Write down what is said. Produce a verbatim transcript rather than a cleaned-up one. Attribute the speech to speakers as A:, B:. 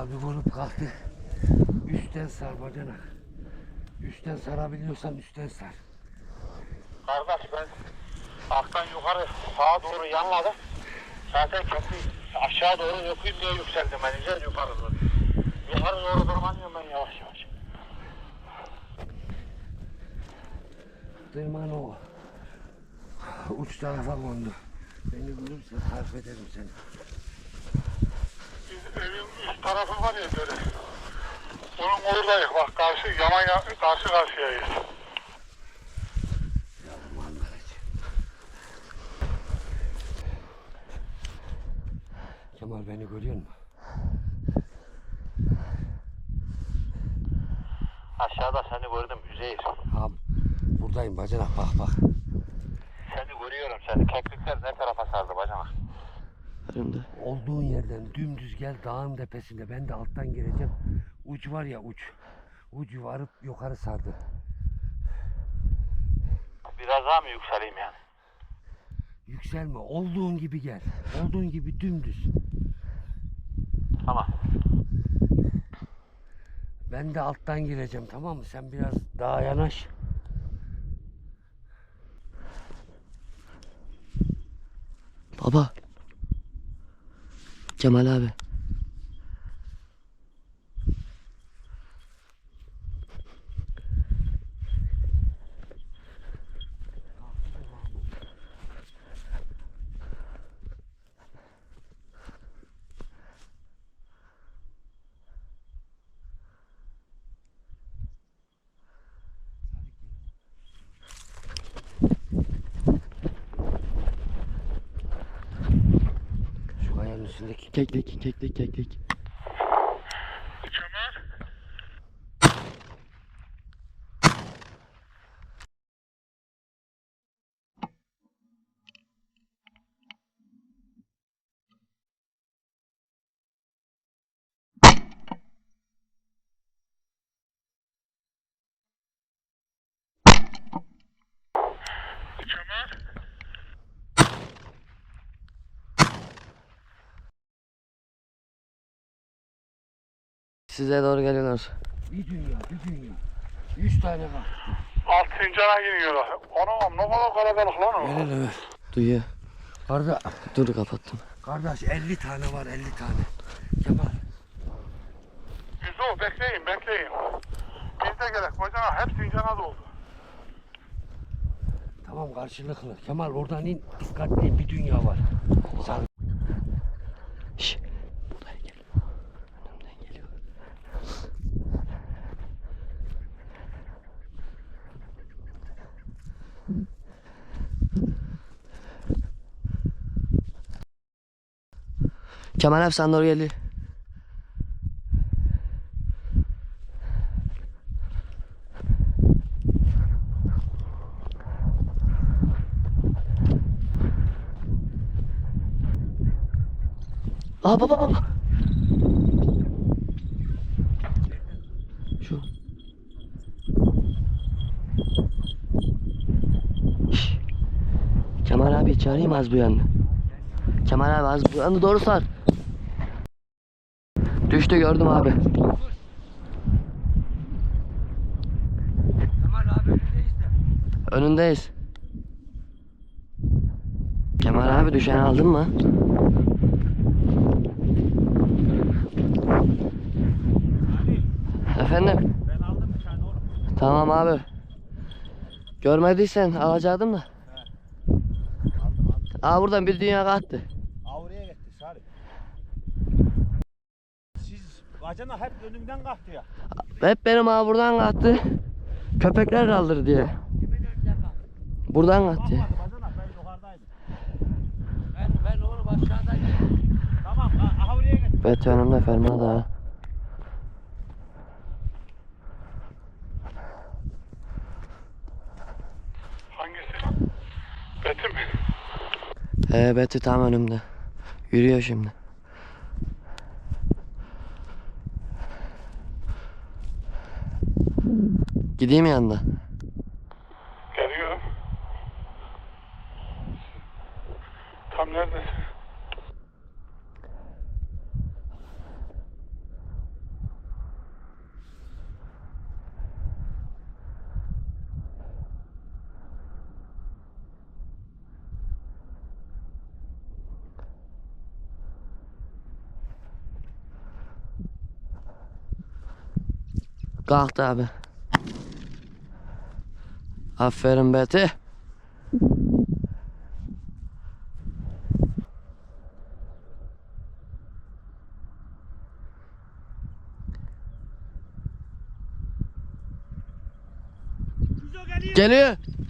A: Kemal bir vurup kalktı. Üstten sar bacana. Üstten sarabiliyorsan üstten sar.
B: Kardeş ben alttan yukarı sağa doğru yanladım. Zaten köprü aşağı doğru yapayım diye yükseldim ben. Güzel yukarı doğru. Yukarı doğru tırmanıyorum ben yavaş yavaş.
A: Tırman o. Uç tarafa kondu. Beni görürse tarif ederim seni.
B: Biz evin üst tarafı var ya böyle. Onun oradayız bak karşı yaman ya, karşı karşıyayız.
A: Kemal beni görüyor musun?
B: Aşağıda seni gördüm Üzeyir.
A: Ha, buradayım bacanak bak bak.
B: Seni görüyorum seni. Keklikler ne tarafa sardı bacanak?
A: Önümde. Olduğun yerden dümdüz gel dağın tepesinde. Ben de alttan gireceğim. Uç var ya uç. Ucu varıp yukarı sardı.
B: Biraz daha mı yükseleyim yani?
A: Yükselme. Olduğun gibi gel. Olduğun gibi dümdüz.
B: Tamam.
A: Ben de alttan gireceğim, tamam mı? Sen biraz daha yanaş.
C: Baba. Kemal abi.
A: Şu kayanın üstündeki.
C: Keklik, keklik, keklik.
B: Kemal. Kemal.
C: Size doğru geliyorlar.
A: Bir dünya, bir dünya. Yüz tane var.
B: Alt fincana giriyorlar. Anam ne kadar kalabalık lan o.
A: Ver hele ver.
C: Duyuyor.
A: Karda,
C: Dur kapattım.
A: kardeş elli tane var, elli tane. Kemal.
B: Yüzü bekleyin bekleyin. Biz de gerek bacanak hep fincana doldu.
A: Tamam karşılıklı. Kemal oradan in. Dikkatli, bir dünya var. Sar.
C: Şşş. Buraya gel. Önümden geliyor. Kemal abi sen doğru geliyor. Aa baba baba. Şu. Şşş. Kemal abi çağırayım az bu yanına. Kemal abi az bu yanına doğru sar. Düştü gördüm abi.
A: Kemal abi önündeyiz de.
C: Önündeyiz. Kemal abi düşeni aldın mı? Efendim?
B: Ben aldım bir tane oğlum.
C: Tamam abi. Görmediysen alacaktım da.
B: Aldım aldım.
C: Aa buradan bir dünya kalktı.
B: Avruya gitti Sarı. Siz bacana hep önümden kalktı ya.
C: Hep benim abi buradan kalktı. Köpekler kaldır diye. Buradan kalktı.
B: Bakmadı bacana ben yukarıdaydım.
A: Ben, ben oğlum aşağıdayım.
B: Tamam Avruya gitti.
C: Evet önümde ferma da.
B: Hangisi? Beti mi?
C: He Betty tam önümde. Yürüyor şimdi. Gideyim yanına.
B: Geliyorum. Tam neredesin?
C: Kalktı abi. Aferin Beti. Geliyor.